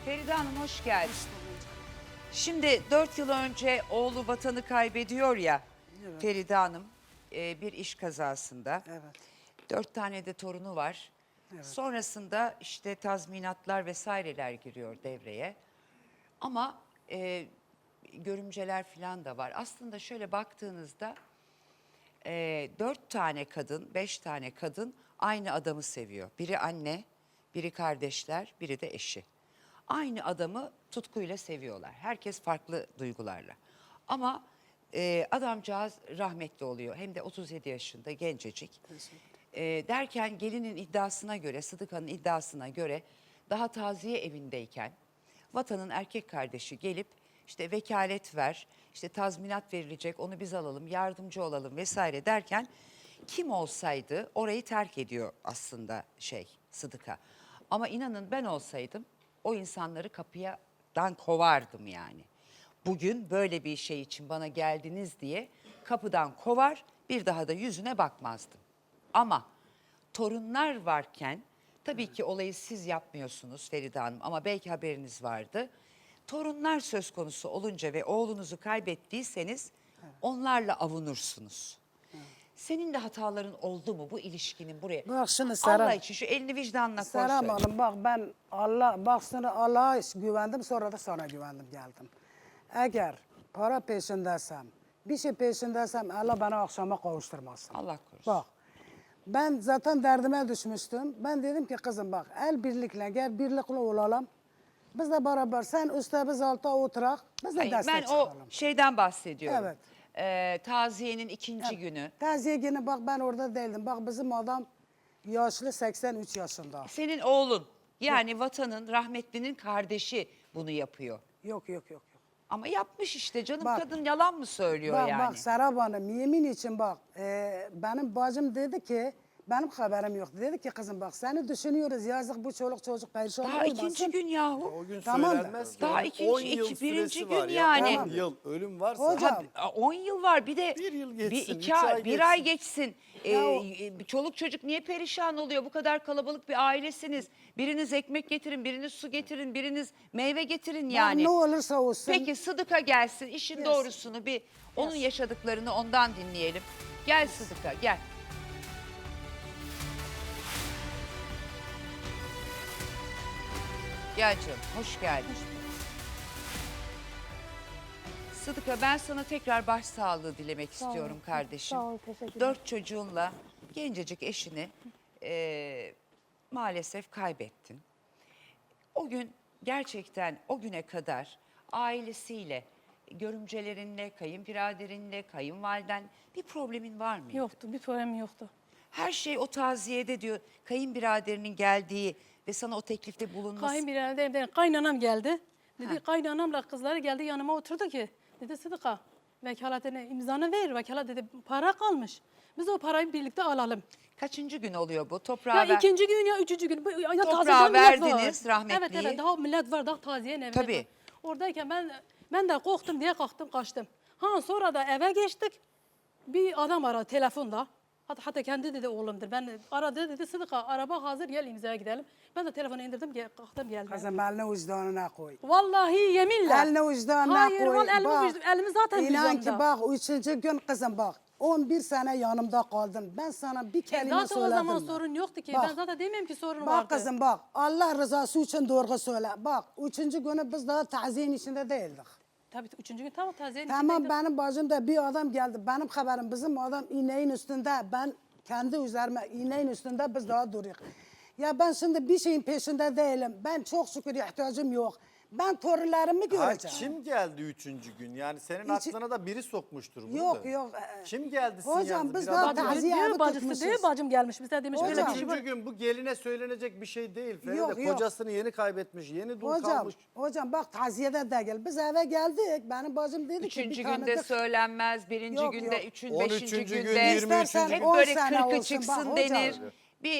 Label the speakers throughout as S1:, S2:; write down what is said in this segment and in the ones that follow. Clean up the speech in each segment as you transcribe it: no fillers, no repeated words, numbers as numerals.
S1: Feride Hanım hoş geldin. Şimdi 4 yıl önce oğlu vatanı kaybediyor ya
S2: Evet.
S1: Feride Hanım bir iş kazasında.
S2: Evet.
S1: 4 tane de torunu var.
S2: Evet.
S1: Sonrasında işte tazminatlar vesaireler giriyor devreye. Ama görümceler falan da var. Aslında şöyle baktığınızda 4 tane kadın, 5 tane kadın aynı adamı seviyor. Biri anne, biri kardeşler, biri de eşi. Aynı adamı tutkuyla seviyorlar. Herkes farklı duygularla. Ama adamcağız rahmetli oluyor. Hem de 37 yaşında gencecik. Derken gelinin iddiasına göre, Sıdıka'nın iddiasına göre daha taziye evindeyken vatanın erkek kardeşi gelip işte vekalet ver, işte tazminat verilecek, onu biz alalım, yardımcı olalım vesaire derken kim olsaydı orayı terk ediyor aslında Sıdıka. Ama inanın ben olsaydım o insanları kapıdan kovardım yani. Bugün böyle bir şey için bana geldiniz diye kapıdan kovar, bir daha da yüzüne bakmazdım. Ama torunlar varken tabii ki olayı siz yapmıyorsunuz Feride Hanım ama belki haberiniz vardı. Torunlar söz konusu olunca ve oğlunuzu kaybettiyseniz onlarla avunursunuz. Senin de hataların oldu mu bu ilişkinin buraya?
S2: Bak şimdi
S1: Allah
S2: Serap.
S1: için şu elini vicdanına koy
S2: Serap
S1: söyle.
S2: Hanım bak ben sonra Allah'a güvendim sonra da sana güvendim geldim. Eğer para peşindeysem, bir şey peşindeysem Allah bana akşama kavuşturmasın.
S1: Allah korusun.
S2: Bak ben zaten derdime düşmüştüm. Ben dedim ki kızım bak el birlikle gel birlikle olalım. Biz de beraber sen üstte biz altta oturak biz de
S1: Hayır,
S2: destek
S1: ben o
S2: çıkalım.
S1: şeyden bahsediyorum.
S2: Evet.
S1: Taziyenin ikinci günü.
S2: Taziye günü bak ben orada değildim. Bak bizim adam yaşlı 83 yaşında.
S1: Senin oğlun yani vatanın rahmetlinin kardeşi bunu yapıyor.
S2: Yok.
S1: Ama yapmış işte canım
S2: Bak.
S1: kadın yalan mı söylüyor
S2: Bak
S1: yani?
S2: bak Serap Hanım yemin için bak benim bacım dedi ki benim haberim yok. Dedi ki kızım bak seni düşünüyoruz yazık bu çoluk çocuk perişan
S1: Daha
S2: olmasın.
S1: ikinci gün yahu.
S3: O gün
S2: Tamam da.
S3: söylenmez ki.
S1: Daha
S3: Onun
S1: ikinci-
S3: 10 yıl
S1: birinci
S3: süresi
S1: gün
S3: var
S1: yani.
S3: Ya.
S2: Tamam.
S3: 10 yıl ölüm varsa.
S2: Hocam.
S1: 10 yıl var bir de
S3: Bir yıl geçsin,
S1: bir,
S3: üç ay
S1: bir ay
S3: geçsin.
S1: geçsin.
S2: Ya o-
S1: Çoluk çocuk niye perişan oluyor? Bu kadar kalabalık bir ailesiniz. Biriniz ekmek getirin, biriniz su getirin, biriniz meyve getirin yani.
S2: Ne olursa olsun.
S1: Peki Sıdıka gelsin işin
S2: Yes.
S1: doğrusunu bir onun
S2: Yes.
S1: yaşadıklarını ondan dinleyelim. Gel Sıdıka gel. Gel canım hoş geldin. Sıdıka ben sana tekrar başsağlığı dilemek istiyorum kardeşim.
S4: Sağ ol, teşekkürler.
S1: 4 çocuğunla gencecik eşini maalesef kaybettin. O gün gerçekten o güne kadar ailesiyle, görümcelerinle, kayınbiraderinle, kayınvaliden bir problemin var mıydı?
S4: Yoktu, bir problem yoktu.
S1: Her şey o taziyede diyor kayınbiraderinin geldiği ve sana o teklifte bulunması.
S4: Kayınbirader, kaynanam geldi. Dedi kaynanamla kızları geldi yanıma oturdu ki. Dedi Sıdıka vekaletine imzanı ver. Vekalet dedi para kalmış. Biz o parayı birlikte alalım.
S1: Kaçıncı gün oluyor bu?
S4: Ya
S1: Toprağa ver.
S4: ikinci gün ya üçüncü gün. Ya
S1: Toprağa
S4: tazeden millet
S1: verdiniz
S4: var.
S1: rahmetliyi.
S4: Evet daha millet var daha taziye ne
S1: Tabii.
S4: var. Oradayken ben de korktum diye kalktım kaçtım. Sonra da eve geçtik. Bir adam aradı telefonda. Hatta kendi dedi oğlumdur. Ben aradı dedi Sıdıka araba hazır gel imzaya gidelim. Ben de telefonu indirdim kalktım geldim.
S2: Kızım elini vicdanına koy.
S4: Vallahi yeminle.
S2: Elini vicdanına
S4: Hayır,
S2: koy.
S4: vallahi
S2: Bak,
S4: elimi zaten
S2: İnan
S4: vicdanımda.
S2: ki bak 3. gün kızım bak 11 sene yanımda kaldın. Ben sana bir kelime
S4: Zaten
S2: söyledim.
S4: o zaman
S2: mi?
S4: sorun yoktu ki.
S2: Bak.
S4: Ben zaten demiyorum ki sorun
S2: Bak
S4: vardı.
S2: kızım bak Allah rızası için doğru söyle. Bak 3. günü biz daha taziyenin içinde değildik.
S4: Tabii üçüncü gün tamam taziyenin
S2: Tamam
S4: içindeydim.
S2: benim bacımda bir adam geldi. Benim haberim bizim adam iğneğin üstünde. Ben kendi üzerime iğneğin üstünde biz daha duruyoruz. Ya ben şimdi bir şeyin peşinde değilim. Ben çok şükür ihtiyacım yok. Ben torunlarımı
S3: Ha,
S2: göreceğim.
S3: kim geldi 3. gün? Yani senin
S2: Hiç-
S3: aklına da biri sokmuştur bunu
S2: Yok
S3: da.
S2: yok.
S3: Kim geldi
S2: Hocam,
S3: sinyalde?
S2: biz
S3: Bir
S2: daha
S3: adam geldi.
S2: taziye
S4: Diyor,
S2: evi
S4: bacısı
S2: tutmuşuz.
S4: diyor bacım gelmiş bize demiş böyle
S2: Hocam.
S4: bir şey var.
S3: 3. gün bu geline söylenecek bir şey değil. Feride
S2: Yok, yok.
S3: kocasını yeni kaybetmiş, yeni dul
S2: Hocam,
S3: kalmış.
S2: hocam bak taziyede de gel. Biz eve geldik. Benim bacım dedi ki
S1: Üçüncü
S2: bir
S1: günde
S2: tanıdık.
S1: söylenmez, birinci
S2: Yok,
S1: günde,
S2: yok.
S1: 13.
S3: 13. gün,
S1: günde
S3: 23.
S2: İstersen
S3: gün.
S1: hep
S2: 10
S1: böyle
S2: sene
S1: kırkı
S2: olsun.
S1: çıksın
S2: Bak
S1: denir.
S2: hocam.
S1: Bir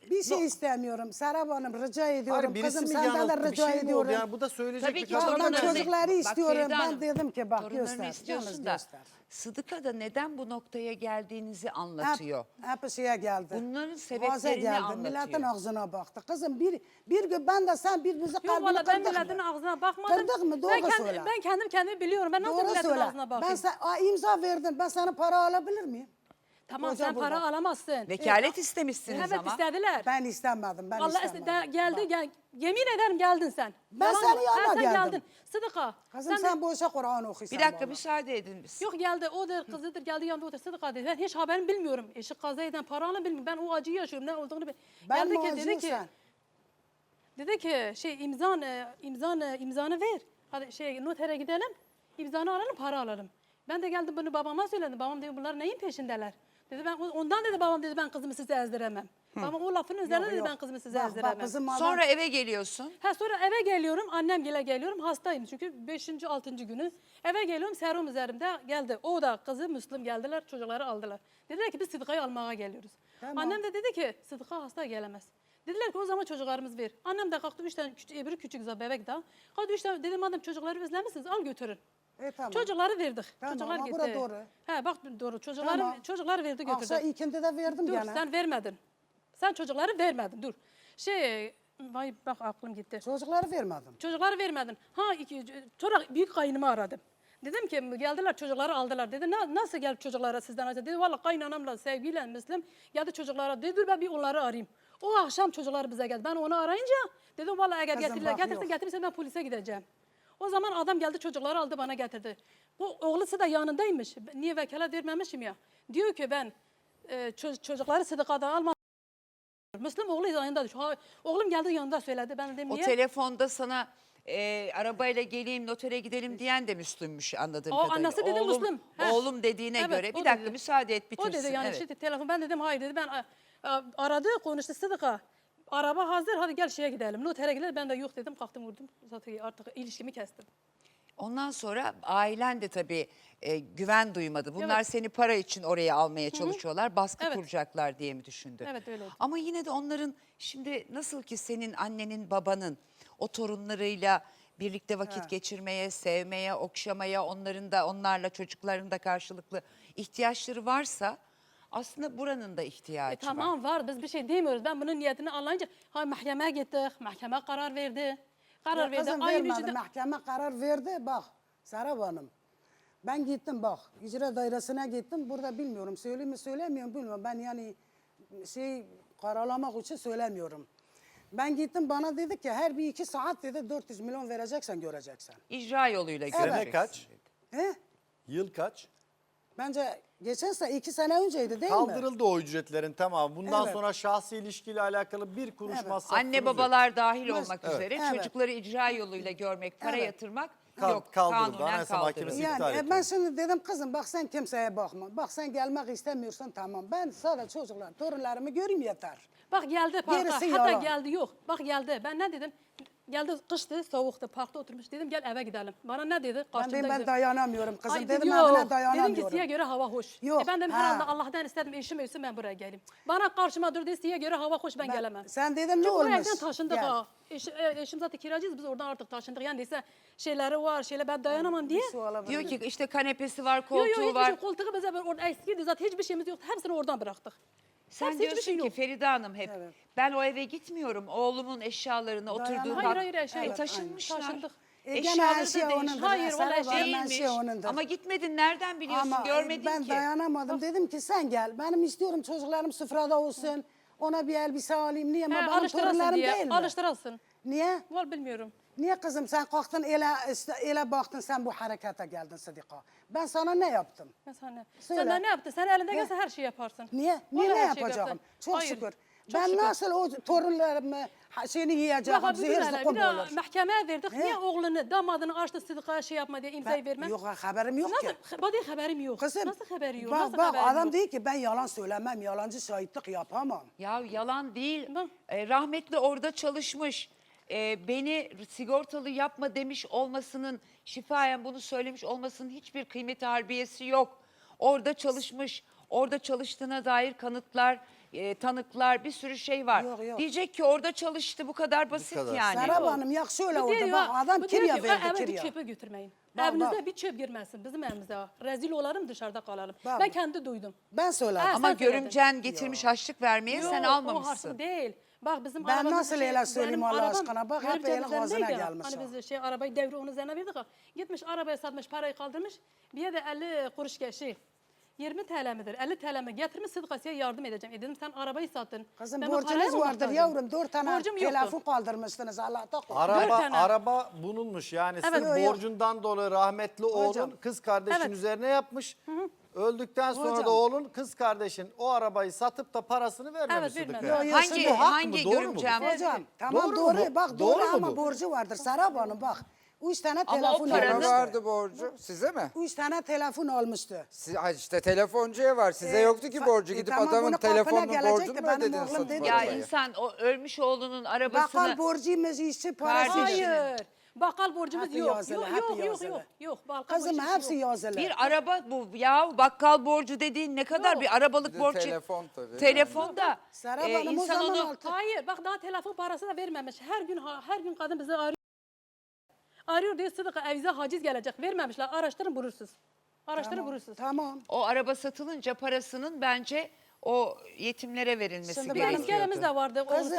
S2: Bir şey istemiyorum. Serap Hanım rica ediyorum.
S3: Hayır, birisi
S2: Kızım
S3: mi
S2: senden de
S3: yanılttı? Bir
S2: rica
S3: şey mi oldu?
S2: ediyorum.
S3: Yani bu da söyleyecek
S1: Tabii
S3: bir
S1: ki
S2: Ya
S3: kadın
S2: ben
S1: torunlarını-
S3: yok.
S2: çocukları
S1: Bak
S2: istiyorum.
S1: Feride
S2: Ben
S1: Hanım,
S2: dedim ki bak
S1: torunlarını
S2: göster.
S1: istiyorsun
S2: Yalnız
S1: da
S2: göster.
S1: Sıdıka da neden bu noktaya geldiğinizi anlatıyor.
S2: Hep şeye geldi.
S1: Bunların
S2: Boğaza
S1: sebeplerini
S2: geldi.
S1: anlatıyor.
S2: Milletin ağzına baktı. Kızım bir gün ben de sen birbirimizi
S4: Yok
S2: kalbini
S4: valla ben
S2: kırdık
S4: milletin
S2: mı?
S4: ağzına bakmadım.
S2: Kırdık mı? Doğru
S4: ben
S2: söyle.
S4: Ben kendim kendimi biliyorum. Ben nasıl
S2: Doğru
S4: milletin
S2: söyle.
S4: ağzına bakayım?
S2: Ben sen imza verdin. Ben sana para alabilir miyim?
S4: Tamam
S2: Koca
S4: sen para
S2: burada.
S4: alamazsın.
S1: Vekalet istemişsiniz
S4: Evet
S1: ama.
S4: istediler.
S2: Ben istemedim. Ben
S4: Allah
S2: istemedim.
S4: geldi
S2: Bak.
S4: gel. Yemin ederim geldin sen.
S2: Ben
S4: Yalan
S2: senin
S4: yok.
S2: yanına
S4: sen
S2: geldim.
S4: geldin. Sıdıka.
S2: Kızım sen boşa Kur'an okuyorsun
S1: Bir dakika
S2: bana.
S1: müsaade edin biz.
S4: Yok geldi odur kızıdır geldi yanında otur Sıdıka dedi. Ben hiç haberini bilmiyorum. Eşi kaza eden paranı bilmiyorum. Ben o acıyı yaşıyorum ne olduğunu bilmiyorum.
S2: Ben
S4: Geldi
S2: mi
S4: ki dedi
S2: acıyım
S4: ki
S2: sen?
S4: dedi ki şey imzanı ver. Hadi şey notere gidelim. İmzanı alalım para alalım. Ben de geldim bunu babama söyledim. Babam dedi bunlar neyin peşindeler? Dedi ben ondan dedi babam dedi ben kızımı size ezdiremem. Babam o lafın üzerine
S2: Yok,
S4: dedi
S2: yok.
S4: ben kızımı size
S2: Bak,
S4: ezdiremem.
S2: Bak bizim adam...
S1: Sonra eve geliyorsun.
S4: Sonra eve geliyorum, annem gele geliyorum, hastayım çünkü 5. 6. günü. Eve geliyorum, serum üzerimde geldi. O da kızı Müslüm geldiler, çocukları aldılar. Dediler ki biz Sıdıka'yı almaya geliyoruz.
S2: Tamam.
S4: Annem de dedi ki Sıdıka hasta gelemez. Dediler ki o zaman çocuklarımız ver. Annem de kalktı 3 tane öbürü küçük bebek daha. Kalktı 3 tane dedim madem çocukları özlemişsiniz al götürün.
S2: Tamam.
S4: Çocukları verdik.
S2: Tamam,
S4: Çocuklar
S2: ama
S4: gitti.
S2: bura doğru.
S4: He bak doğru.
S2: Tamam.
S4: Çocuklar verdi götürdü.
S2: Akşam ikindi de verdim
S4: Dur
S2: gene.
S4: sen vermedin. Sen çocukları vermedin dur. Vay bak aklım gitti.
S2: Çocukları vermedim.
S4: Çocukları vermedin. Sonra büyük kaynımı aradım. Dedim ki geldiler çocukları aldılar. Dedi nasıl geldi çocuklara sizden acaba? Dedi valla kaynanamla sevgiyle Müslüm geldi çocuklara. Dedi dur ben bir onları arayayım. O akşam çocuklar bize geldi. Ben onu arayınca dedim valla eğer
S2: Kızım, bak,
S4: getirse
S2: yok.
S4: getirirse ben polise gideceğim. O zaman adam geldi çocukları aldı bana getirdi. Bu oğlusu da yanındaymış. Niye vekalet vermemişim ya. Diyor ki ben çocukları Sıdıka'dan almadım. Müslüm oğlu yanında. Oğlum geldi yanında söyledi. Ben dedim
S1: O
S4: niye?
S1: telefonda sana arabayla geleyim notere gidelim diyen de Müslümmüş anladığım
S4: O
S1: kadarıyla.
S4: annesi dedi Müslüm. He.
S1: Oğlum dediğine
S4: Evet,
S1: göre.
S4: o
S1: Bir dakika
S4: dedi.
S1: müsaade et bitirsin.
S4: O dedi yani
S1: Evet.
S4: işte telefon ben dedim hayır dedi ben aradı konuştu Sıdıka. Araba hazır hadi gel şeye gidelim. Notere gidelim ben de yok dedim kalktım vurdum. Zaten artık ilişkimi kestim.
S1: Ondan sonra ailen de tabii güven duymadı. Bunlar
S4: Evet.
S1: seni para için oraya almaya çalışıyorlar. Baskı
S4: Evet.
S1: kuracaklar diye mi düşündü?
S4: Evet, öyleydi.
S1: Ama yine de onların şimdi nasıl ki senin annenin babanın o torunlarıyla birlikte vakit geçirmeye, sevmeye, okşamaya, onlarla çocukların da karşılıklı ihtiyaçları varsa aslında buranın da ihtiyacı var.
S4: Tamam var biz bir şey demiyoruz. Ben bunun niyetini anlayınca mahkemeye gittik. Mahkeme karar verdi. Karar verdi.
S2: Kızım
S4: Aynı
S2: vermedi.
S4: yüzde...
S2: Mahkeme karar verdi. Bak Serap Hanım. Ben gittim bak. İcra dairesine gittim. Burada bilmiyorum. Söyleyeyim mi söylemiyorum bilmiyorum. Ben yani kararlamak için söylemiyorum. Ben gittim bana dedi ki her bir 2 saat dedi 400 milyon vereceksen göreceksen.
S1: İcra yoluyla
S3: Sene
S1: göreceksin.
S3: kaç?
S2: He?
S3: Yıl kaç?
S2: Bence geçen sene 2 sene önceydi değil mi?
S3: Kaldırıldı o ücretlerin tamamı. Bundan
S2: Evet.
S3: sonra şahsi ilişkiyle alakalı bir kuruş
S2: Evet.
S3: masrafınız
S1: Anne
S3: yok.
S1: babalar dahil
S2: Evet.
S1: olmak
S3: Evet.
S1: üzere
S2: Evet.
S1: çocukları icra yoluyla görmek, para
S2: Evet.
S1: yatırmak
S3: Kal-
S1: yok.
S3: kaldırıldı.
S1: Kanunen
S3: Anayasa Mahkemesi
S1: kaldırıldı.
S3: iptal
S2: Yani
S3: etti.
S2: ben şimdi dedim kızım bak sen kimseye bakma. Bak sen gelmek istemiyorsan tamam. Ben sadece çocuklar, torunlarımı göreyim yeter.
S4: Bak geldi parka.
S2: Gerisi
S4: Hatta
S2: yalan.
S4: geldi yok. Bak geldi. Ben ne dedim? Geldi kıştı, soğuktu, parkta oturmuş. Dedim gel eve gidelim. Bana ne dedi?
S2: Ben
S4: Karşımda
S2: dedim ben
S4: dedim.
S2: dayanamıyorum kızım.
S4: Ay,
S2: dedim
S4: yok.
S2: evine
S4: Dedim
S2: dayanamıyorum.
S4: ki size göre hava hoş.
S2: Yok,
S4: Ben dedim
S2: ha.
S4: herhalde Allah'tan istedim eşim ölsün ben buraya geleyim. Bana karşıma durdu size göre hava hoş ben gelemem.
S2: Sen dedin ne
S4: Çünkü
S2: olmuş?
S4: oraya evden taşındık
S2: Gel.
S4: ha. Eşim zaten kiracıyız biz oradan artık taşındık. Yani ise şeyleri var şeyler ben dayanamam diye.
S2: Su alabilir
S1: Diyor
S2: miyim?
S1: ki işte kanepesi var,
S4: Yok
S1: koltuğu
S4: yok hiçbir
S1: var.
S4: şey koltuğu bize orada eskiydi zaten hiçbir şeyimiz yoktu. Hepsini oradan bıraktık.
S1: Sen
S4: Hepsi
S1: diyorsun
S4: hiçbir şey
S1: ki
S4: yok.
S1: Feride Hanım hep
S2: Evet.
S1: ben o eve gitmiyorum. Oğlumun eşyalarını oturduğu
S4: Hayır hayır eşya yok.
S1: taşınmışlar.
S4: Taşındık.
S2: Gene
S1: Eşyaları
S2: her
S1: da
S2: şey
S1: değişmiş.
S2: onundur.
S4: Hayır,
S2: Serap
S4: vallahi
S2: Hanım, her
S1: Değilmiş.
S2: şey onundur.
S1: Ama gitmedin nereden biliyorsun
S2: Ama
S1: görmedin
S2: ben
S1: ki.
S2: dayanamadım. Dedim ki sen gel. Benim istiyorum çocuklarım sofrada olsun. Ona bir elbise alayım. Niye? Ama benim
S4: Alıştırasın
S2: torunlarım
S4: diye.
S2: değil mi?
S4: Alıştırasın.
S2: Niye?
S4: Var bilmiyorum.
S2: Niye kızım sen kalktın ele baktın sen bu harekete geldin Sıdıka. Ben sana ne yaptım?
S4: Ben sana.
S2: Söyle.
S4: Sen de ne yaptın? Sen elinde gelse her şeyi yaparsın.
S2: Niye? Niye
S4: Vallahi
S2: ne
S4: her şeyi
S2: yapacağım?
S4: yaptın.
S2: Çok
S4: Hayır,
S2: şükür.
S4: çok
S2: Ben
S4: şükür.
S2: nasıl o torunlarımı şeyini yiyeceğim,
S4: Bak
S2: zehir zıkkım
S4: bir de
S2: olur.
S4: mahkemeye verdik.
S2: He?
S4: Niye oğlunu, damadını açtı Sıdıka'ya şey yapma diye imzayı verme?
S2: Yok haberim yok ki.
S4: Nasıl? Badi haberim yok.
S2: Kızım,
S4: Nasıl haberi yok?
S2: Bak,
S4: Nasıl
S2: bak
S4: haberim
S2: adam
S4: yok?
S2: değil ki ben yalan söylemem, yalancı şahitlik yapamam.
S1: Ya yalan değil.
S4: Bak.
S1: Rahmetli orada çalışmış. Beni sigortalı yapma demiş olmasının, şifayen bunu söylemiş olmasının hiçbir kıymeti harbiyesi yok. Orada çalışmış, orada çalıştığına dair kanıtlar tanıklar, bir sürü şey var.
S2: Yok, yok.
S1: Diyecek ki orada çalıştı, bu kadar basit
S3: kadar.
S1: yani.
S2: Serap Hanım yakşı öyle
S4: Bu diyor
S2: oldu.
S4: ya,
S2: Bak adam
S4: bu diyor
S2: kirya
S4: ki,
S2: verdi
S4: eve bir
S2: kirya.
S4: çöpü götürmeyin.
S2: Bak,
S4: Evinizde
S2: bak.
S4: bir çöp girmesin bizim evimize. Rezil olalım, dışarıda kalalım.
S2: Bak.
S4: Ben kendi duydum.
S2: Ben söyledim.
S4: Ha,
S1: Ama
S4: sen söyledin.
S1: görümcen getirmiş harçlık vermeye sen
S4: Yok, o
S1: almamışsın.
S4: harçlık değil. Bak bizim
S2: Ben
S4: arabamız
S2: nasıl öyle söyleyeyim
S4: benim
S2: Allah
S4: arabam
S2: aşkına? Bak hep
S4: görümcenin
S2: elin ağzına
S4: üzerindeydi.
S2: gelmiş
S4: Hani
S2: o.
S4: biz arabayı devri onun üzerine verdik. Gitmiş arabaya satmış, parayı kaldırmış. Bir de 50 kuruş şey 20 TL midir? 50 TL mi? Getirmiş Sıdıkası'ya yardım edeceğim. Dedim sen arabayı sattın.
S2: Kızım
S4: Ben bu
S2: borcunuz
S4: paraya mı
S2: vardır
S4: muhtacım?
S2: yavrum. 4 tane
S4: Borcum yoktu.
S2: telefon kaldırmışsınız Allah'ta korkun.
S3: Araba
S4: tane.
S3: araba bulunmuş yani
S4: Evet.
S3: sırf
S2: Yok, yok.
S3: borcundan dolayı rahmetli oğlun kız kardeşin
S4: Evet.
S3: üzerine yapmış. Öldükten sonra
S2: Hocam.
S3: da oğlun kız kardeşin o arabayı satıp da parasını vermemiş
S4: Evet,
S3: Sıdık'a.
S4: vermedi.
S2: Yok,
S1: Hangi
S2: şimdi
S3: hak mı,
S1: hangi
S3: doğru mu bu?
S1: görümcem?
S2: Hocam tamam
S3: Doğru
S2: doğru,
S3: mu bu?
S2: bak
S3: Doğru
S2: doğru,
S3: mu
S2: ama
S3: bu?
S2: borcu vardır Serap Hanım bak. 3 tane
S1: Ama o
S2: telefon
S1: paranın-
S5: Kime
S2: almıştı.
S5: vardı borcu? Size mi?
S2: 3 tane telefon almıştı.
S5: Ha işte telefoncuya var. Size yoktu ki borcu. Gidip
S2: tamam,
S5: adamın
S2: bunun kapına
S5: telefonunun
S2: gelecekti,
S5: borcunu mu
S2: benim
S5: ödediniz
S2: oğlum
S5: satıp
S2: dedi.
S1: Ya
S5: arabayı?
S1: insan o ölmüş oğlunun arabasını...
S2: Bakkal borcuymuş, işçi parası.
S1: Kardeşim.
S4: Hayır. Bakkal borcumuz
S2: Hepsi
S4: yok.
S2: yazılı,
S4: Yok,
S2: hepsi
S4: yok, yok,
S2: yazılı.
S4: yok, yok. Bakkal
S2: Kızım
S4: borcumuz
S2: hepsi
S4: yok.
S2: yazılı.
S1: Bir araba bu ya, bakkal borcu dediğin ne kadar
S4: Yok.
S1: bir arabalık
S5: Bir de
S1: borç.
S5: telefon tabii.
S1: Telefon da
S2: Serap Hanım o
S1: insan
S2: zaman
S1: onu...
S2: altı.
S4: Hayır, bak daha telefon parası da vermemiş. Her gün kadın bizi arıyor. Arıyor diyor Sıdıka evize haciz gelecek. Vermemişler. Araştırın bulursunuz. Araştırın bulursunuz.
S2: Tamam.
S1: O araba satılınca parasının bence o yetimlere verilmesi
S2: Şimdi
S4: Bir
S2: benim-
S1: gerekiyor.
S4: iskelemiz de vardı.
S2: Kızım,